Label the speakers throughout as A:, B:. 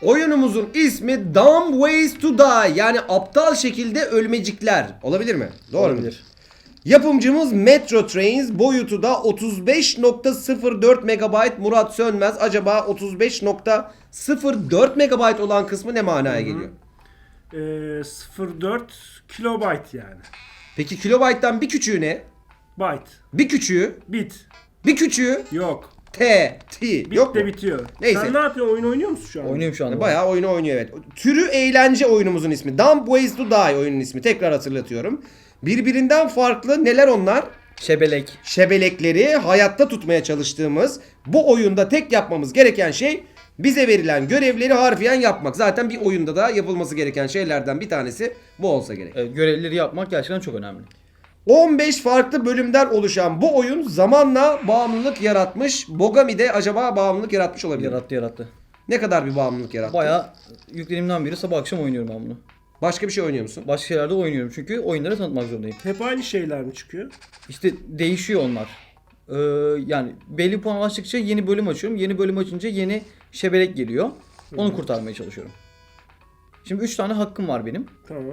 A: Oyunumuzun ismi Dumb Ways to Die, yani aptal şekilde ölmecikler. Olabilir mi? Doğru mu? Yapımcımız Metro Trains, boyutu da 35.04 MB. Murat Sönmez, acaba 35.04 MB olan kısmı ne manaya geliyor?
B: 0.4 kilobayt yani.
A: Peki kilobayttan bir küçüğü ne?
B: Byte.
A: Bir küçüğü,
B: Bit.
A: bir küçüğü
B: Yok.
A: T,
B: Bit
A: yok
B: de
A: mu?
B: bitiyor.
A: Neyse.
B: Sen ne yapıyorsun? Oyun oynuyor musun şu an?
C: Oynuyorum şu anda.
A: Bayağı oyunu oynuyor, evet. Türü eğlence oyunumuzun ismi. Dumb Ways to Die oyunun ismi. Tekrar hatırlatıyorum. Birbirinden farklı neler onlar?
C: Şebelek.
A: Şebelekleri hayatta tutmaya çalıştığımız bu oyunda tek yapmamız gereken şey bize verilen görevleri harfiyen yapmak. Zaten bir oyunda da yapılması gereken şeylerden bir tanesi bu olsa gerek.
C: Evet, görevleri yapmak gerçekten çok önemli.
A: 15 farklı bölümden oluşan bu oyun zamanla bağımlılık yaratmış. Bogami de acaba bağımlılık yaratmış olabilir mi?
C: Yarattı.
A: Ne kadar bir bağımlılık yarattı?
C: Bayağı yüklediğimden beri sabah akşam oynuyorum ben bunu.
A: Başka bir şey oynuyor musun?
C: Başka şeylerde oynuyorum çünkü oyunları tanıtmak zorundayım.
B: Hep aynı şeyler mi çıkıyor?
C: İşte değişiyor onlar. Yani belli puan ulaştıkça yeni bölüm açıyorum. Yeni bölüm açınca yeni şebelek geliyor. Onu kurtarmaya çalışıyorum. Şimdi 3 tane hakkım var benim.
B: Tamam.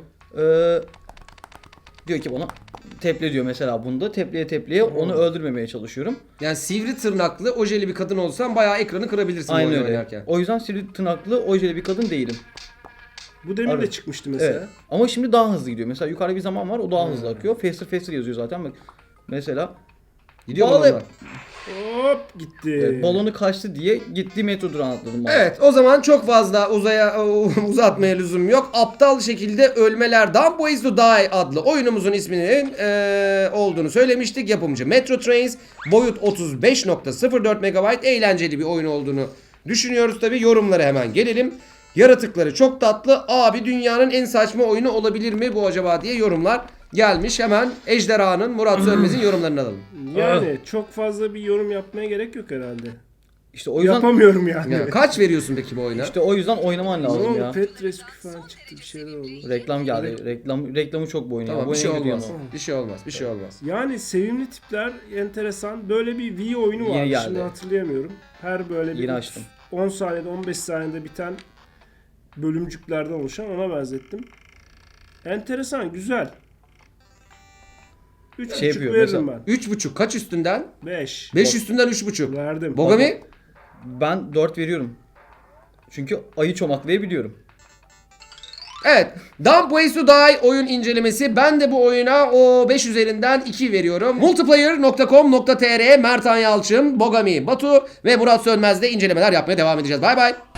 C: Diyor ki bana teple diyor mesela bunda. Tepleye onu öldürmemeye çalışıyorum.
A: Yani sivri tırnaklı ojeli bir kadın olsan bayağı ekranı kırabilirsin bu
C: Aynen
A: oyunu
C: öyle.
A: oynarken.
C: O yüzden sivri tırnaklı ojeli bir kadın değilim.
B: Bu demin de
C: Evet.
B: çıkmıştı mesela.
C: Evet. Ama şimdi daha hızlı gidiyor. Mesela yukarıda bir zaman var, o daha hızlı akıyor. Faster yazıyor zaten. Bak mesela
A: Gidiyor mu
C: Bağlı-
A: onlar?
B: Hop gitti.
C: balonu kaçtı diye gitti metro durağına atladım.
A: Evet, o zaman çok fazla uzatmaya lüzum yok. Aptal şekilde ölmeler Dumb Ways to Die adlı oyunumuzun isminin olduğunu söylemiştik. Yapımcı Metro Trains, boyut 35.04 MB, eğlenceli bir oyun olduğunu düşünüyoruz tabi. Yorumlara hemen gelelim. Yaratıkları çok tatlı. Abi dünyanın en saçma oyunu olabilir mi bu acaba diye yorumlar gelmiş. Hemen Ejderha'nın, Murat Sönmez'in yorumlarını alalım.
B: Yani çok fazla bir yorum yapmaya gerek yok herhalde.
C: İşte o yüzden
B: Yapamıyorum yani.
A: Ya, kaç veriyorsun peki bu oyuna?
C: işte o yüzden oynaman
B: Ne
C: lazım
B: oldu?
C: ya.
B: Pet Rescue falan çıktı, bir şeyler oldu.
C: Reklam geldi. Reklamı çok bu oyun ya.
A: Tamam,
C: Bu
A: bir şey
C: oyuna
A: olmaz.
C: gidiyorum
A: Bir şey olmaz. Bir şey olmaz.
B: Yani sevimli tipler, enteresan. Böyle bir Wii oyunu
C: Yeni
B: vardı.
C: geldi.
B: Şimdi hatırlayamıyorum. Her böyle bir
C: Yeni açtım.
B: 10 saniyede 15 saniyede biten bölümcüklerden oluşan, ona benzettim. Enteresan, güzel. 3.5
C: Şey yapıyor
B: veririm
C: mesela.
A: 3.5 kaç üstünden?
B: ben. 5.
A: 5 üstünden 3.5.
B: Verdim.
A: Bogami?
C: Ben 4 veriyorum. Çünkü ayı çomaklayabiliyorum.
A: Evet. Dumb Ways to Die oyun incelemesi. Ben de bu oyuna o 5 üzerinden 2 veriyorum. Multiplayer.com.tr, Mertan Yalçın, Bogami Batu ve Murat Sönmez'de incelemeler yapmaya devam edeceğiz. Bay bay.